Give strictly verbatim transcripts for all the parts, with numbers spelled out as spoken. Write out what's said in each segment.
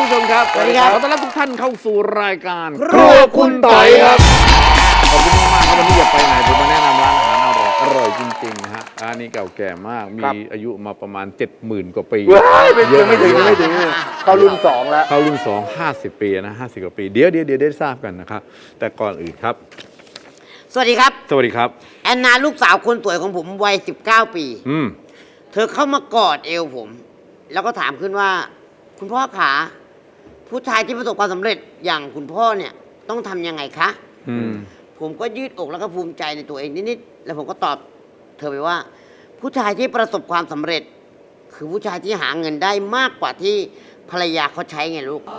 านผู้ชมครับสวัสดีครับขอต้อนรับทุกท่านเข้าสู่รายการครัวคุณต่อยครับขอบคุณมากๆครับวันนี้อย่าไปไหนผมมาแนะนำร้านอาหารอร่อยอร่อยจริงๆนะฮะร้านนี้เก่าแก่มากมีอายุมาประมาณ เจ็ดหมื่น กว่าปีไม่ถึงไม่ถึงไม่ถึงเข้ารุ่นสองแล้วเข้ารุ่นสอง ห้าสิบปีนะห้าสิบกว่าปีเดี๋ยวเดี๋ยวเดี๋ยวได้ทราบกันนะครับแต่ก่อนอื่นครับสวัสดีครับสวัสดีครับแอนนาลูกสาวคนสวยของผมวัยสิบเก้าปีอืมเธอเข้ามากอดเอวผมแล้วก็ถามขึ้นว่าคุณพ่อขาผู้ชายที่ประสบความสำเร็จอย่างคุณพ่อเนี่ยต้องทำยังไงคะอืมผมก็ยืดอกแล้วก็ภูมิใจในตัวเองนิดๆแล้วผมก็ตอบเธอไปว่าผู้ชายที่ประสบความสำเร็จคือผู้ชายที่หาเงินได้มากกว่าที่ภรรยาเขาใช้ไงลูก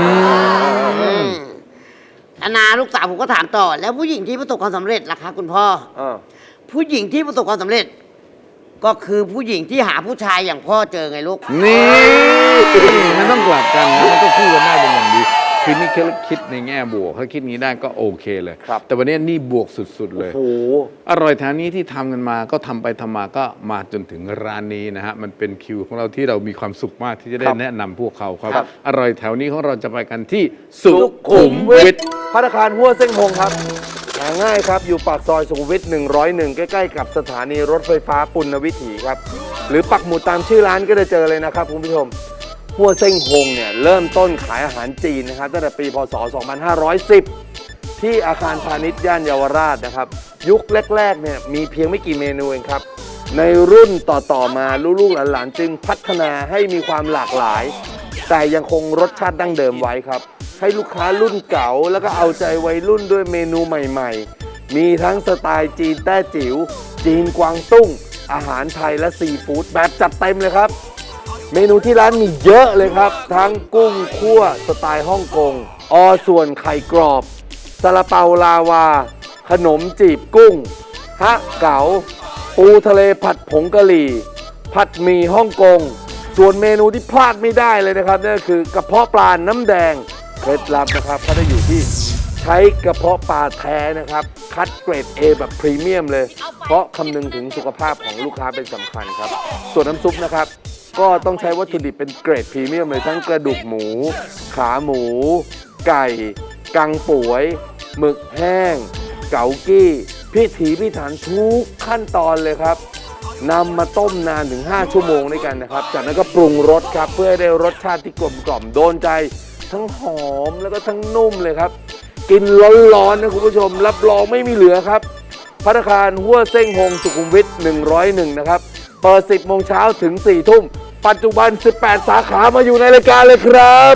อนาลูกสาวผมก็ถามต่อแล้วผู้หญิงที่ประสบความสำเร็จล่ะคะคุณพ่อผู้หญิงที่ประสบความสำเร็จก็คือผู้หญิงที่หาผู้ชายอย่างพ่อเจอไงลูกนี่มันต้องกลับกันนะมันต้องคู่กันได้เป็นอย่างดีคือนี่คิดในแง่บวกถ้าคิดนี้ได้ก็โอเคเลยแต่วันนี้นี่บวกสุดๆเลยอร่อยแถวนี้ที่ทำกันมาก็ทำไปทำมาก็มาจนถึงร้านนี้นะฮะมันเป็นคิวของเราที่เรามีความสุขมากที่จะได้แนะนำพวกเขาครับอร่อยแถวนี้ของเราจะไปกันที่สุขุมวิทภัตตาคารหัวเส้งฮงครับหาง่ายครับอยู่ปากซอยสุขุมวิทหนึ่งร้อยเอ็ดใกล้ๆกับสถานีรถไฟฟ้าปุณณวิถีครับหรือปักหมุดตามชื่อร้านก็จะเจอเลยนะครับคุณผู้ชมหัวเส้งฮงเนี่ยเริ่มต้นขายอาหารจีนนะครับตั้งแต่ปีพ.ศ. สองพันห้าร้อยสิบที่อาคารพาณิชย์ย่านเยาวราชนะครับยุคแรกๆเนี่ยมีเพียงไม่กี่เมนูเองครับในรุ่นต่อๆมาลูกๆหลานๆจึงพัฒนาให้มีความหลากหลายแต่ยังคงรสชาติดั้งเดิมไว้ครับให้ลูกค้ารุ่นเก่าแล้วก็เอาใจวัยรุ่นด้วยเมนูใหม่ๆมีทั้งสไตล์จีนแต้จิ๋วจีนกวางตุ้งอาหารไทยและซีฟู้ดแบบจัดเต็มเลยครับเมนูที่ร้านมีเยอะเลยครับทั้งกุ้งคั่วสไตล์ฮ่องกงอส่วนไข่กรอบซาลาเปาลาวาขนมจีบกุ้งฮะเก๋าปูทะเลผัดผงกะหรี่ผัดหมี่ฮ่องกงส่วนเมนูที่พลาดไม่ได้เลยนะครับนั่นก็คือกระเพาะปลาน้ำแดงเคล็ดลับนะครับก็ได้อยู่ที่ใช้กระเพาะปลาแท้นะครับคัดเกรด A แบบพรีเมียมเลยเพราะคำนึงถึงสุขภาพของลูกค้าเป็นสำคัญครับส่วนน้ำซุปนะครับก็ต้องใช้วัตถุดิบเป็นเกรดพรีเมียมเลยทั้งกระดูกหมูขาหมูไก่กังป่วยหมึกแห้งเก๋ากี้พิถีพิถันทุกขั้นตอนเลยครับนำมาต้มนานถึงห้าชั่วโมงด้วยกันนะครับจากนั้นก็ปรุงรสครับเพื่อให้ได้รสชาติที่กลมกล่อมโดนใจทั้งหอมแล้วก็ทั้งนุ่มเลยครับกินร้อนๆนะคุณผู้ชมรับรองไม่มีเหลือครับภัตตาคารหัวเส้งฮงสุขุมวิทหนึ่งร้อยเอ็ดนะครับเปิดสิบโมงเช้าถึงสี่ทุ่มปัจจุบันสิบแปดสาขามาอยู่ในรายการเลยครับ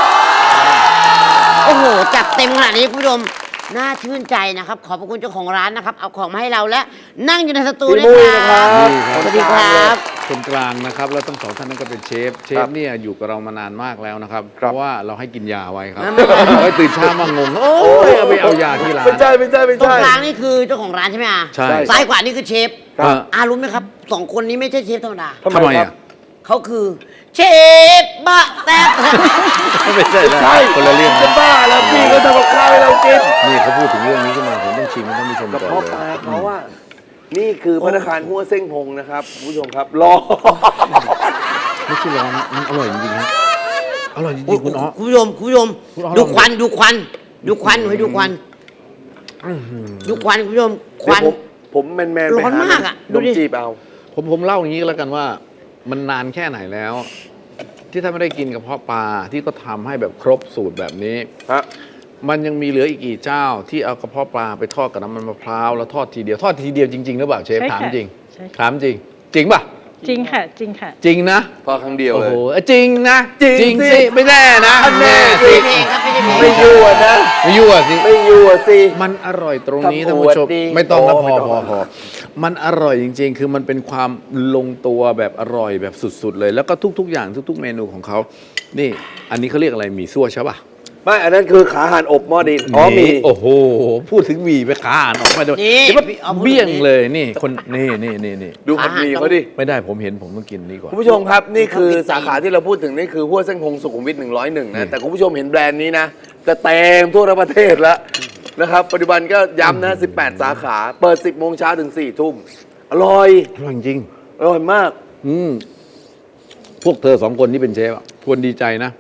โอ้โหจัดเต็มขนาดนี้คุณผู้ชมน่าชื่นใจนะครับขอบพระคุณเจ้าของร้านนะครับเอาของมาให้เราและนั่งอยู่ในสตูด้วยครับสวัสดีครับคนกลางนะครับแล้วทั้งสองท่านนั้นก็เป็นเชฟเชฟเนี่ยอยู่กับเรามานานมากแล้วนะครับเพราะว่าเราให้กินยาไว้ครับไว้ตื่นเช้ามางงโอ้ยเอาไปเอายาที่ร้านไม่ใช่ไม่ใช่ไม่ใช่ตรงกลางนี่คือเจ้าของร้านใช่ไหมอ่ะใช่ซ้ายขวานี่คือเชฟอารู้ไหมครับสองคนนี้ไม่ใช่เชฟธรรมดาทำไมอ่ะเขาคือเชฟบะแซ่บไม่ใช่ใช่คนละเรื่องจะบ้าแล้วพี่เขาทำกับข้าวให้เรากินนี่เขาพูดถึงเรื่องนี้ขึ้นมาผมต้องชิมท่านผู้ชมก่อนเลยกระเพาะปลาเขาว่านี่คือภัตตาคารหัวเส้งฮงนะครับผู้ชมครับรอไม่ใช่ร้อนนะมันอร่อยจริงๆนะอร่อยจริงๆคุณอ๋อคุณผู้ชมคุณผู้ชมดูควันดูควันดูควันให้ดูควันดูควันคุณผู้ชมควันผมแมนแมนร้อนมากอ่ะดูจีบเอาผมผมเล่าอย่างนี้แล้วกันว่ามันนานแค่ไหนแล้วที่ถ้าไม่ได้กินกระเพาะปลาที่ก็ทำให้แบบครบสูตรแบบนี้มันยังมีเหลืออีกกี่เจ้าที่เอากระเพาะปลาไปทอดกับน้ำมันมะพร้าวแล้วทอดทีเดียวทอดทีเดียวจริงๆหรือเปล่าเชฟถามจริงถามจริงจริงป่ะจริงค่ะจริงค่ะจริงนะพอครั้งเดียวเลยโอ้โหจริงนะจริงสิไม่แน่นะแน่สิไม่ยั่วนะไม่ยั่วสิไม่ยั่วสิมันอร่อยตรงนี้ท่านผู้ชมไม่ต้องนะพอพอพอมันอร่อยจริงๆคือมันเป็นความลงตัวแบบอร่อยแบบสุดๆเลยแล้วก็ทุกๆอย่างทุกๆเมนูของเขานี่อันนี้เขาเรียกอะไรหมี่ซั่วใช่ป่ะไม่อันนั้นคือขาห่านอบหม้อดินอ๋อมีโอ้โหพูดถึงหมี่ไปขาห่านออกมาด้วยนี่เบี้ยงเลยนี่คนนี่นี่นี่นี่ดูผัดหมี่เขาดิไม่ได้ผมเห็นผมต้องกินนี่ก่อนคุณผู้ชมครับนี่คือสาขาที่เราพูดถึงนี่คือหัวเส้งฮงสุขุมวิทหนึ่งร้อยเอ็ดนะแต่คุณผู้ชมเห็นแบรนด์นี้นะจะเต็มทั่วประเทศแล้วนะครับปัจจุบันก็ย้ำนะสิบแปดสาขาเปิดสิบโมงเช้าถึงสี่ทุ่มอร่อยอร่อยจริงอร่อยมากอืมพวกเธอสองคนที่เป็นเชฟควรดีใจนะ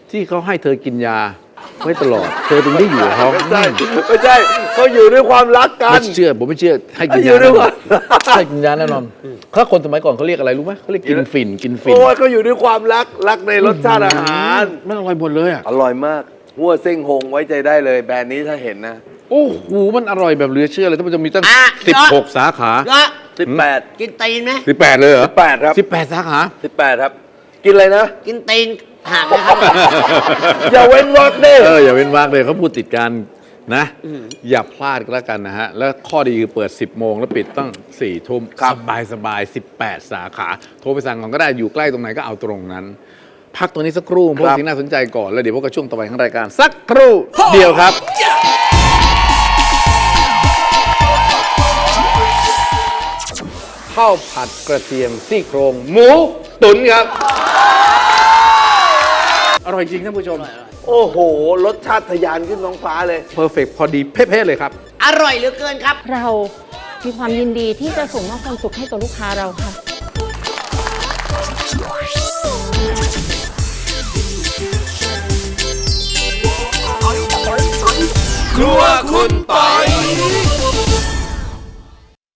ที่เขาให้เธอกินยาไว้ตลอด เธอถึงได้อยู่กับเขาไม่ใช่ไม่ใช่เขาอยู่ด้วยความรักกัไม่นเชื่อผมไม่เชื่อให้กินอยู่ยาด้แน่วยนกัอน นให้กินยาแน่นอนถ้าคนสมัยก่อนเขาเรียกอะไรรู้ไหมเขาเรียกกินฝิ่นกินฝิ่นโอ้ยเขาอยู่ด้วยความรักรักในรสชาติอาหารมันอร่อยหมดเลยอ่ะอร่อยมากหัวเส้งหงไว้ใจได้เลยแบรนด์นี้ถ้าเห็นนะโอ้โหมันอร่อยแบบเหลือเชื่อเลยถ้ามันจะมีตั้งอ่ะสิบหกสาขาก็สิบแปดกินตีนไหมสิบแปดเลยเหรอสิบแปดครับสิบแปดสาขาสิบแปดครับ กินอะไรนะกินตีนห่างนะครับอย่าเว้นวรรคเด้เอออย่าเป็นวากเลยเขาพูดติดกันนะ อย่าพลาดก็แล้วกันนะฮะ แล้วข้อดีคือเปิด สิบโมงแล้วปิดตั้งสี่ทุ่มสบายสบายสิบแปดสาขา โทรไปสั่งก่อนก็ได้อยู่ใกล้ตรงไหนก็เอาตรงนั้น พักตัวนี้สักครู่เพราะสิ่งน่าสนใจก่อน แล้วเดี๋ยวพบกับช่วงต่อไปของรายการ สักครู่เดียวครับ ข้าวผัดกระเทียมซี่โครงหมูตุ๋นครับ อร่อยจริงท่านผู้ชมโอ้โห รสชาติทะยานขึ้นท้องฟ้าเลยเพอร์เฟกพอดีเป๊ะๆเลยครับอร่อยเหลือเกินครับเรามีความยินดีที่จะส่งมอบความสุขให้กับลูกค้าเราค่ะครัวคุณปอย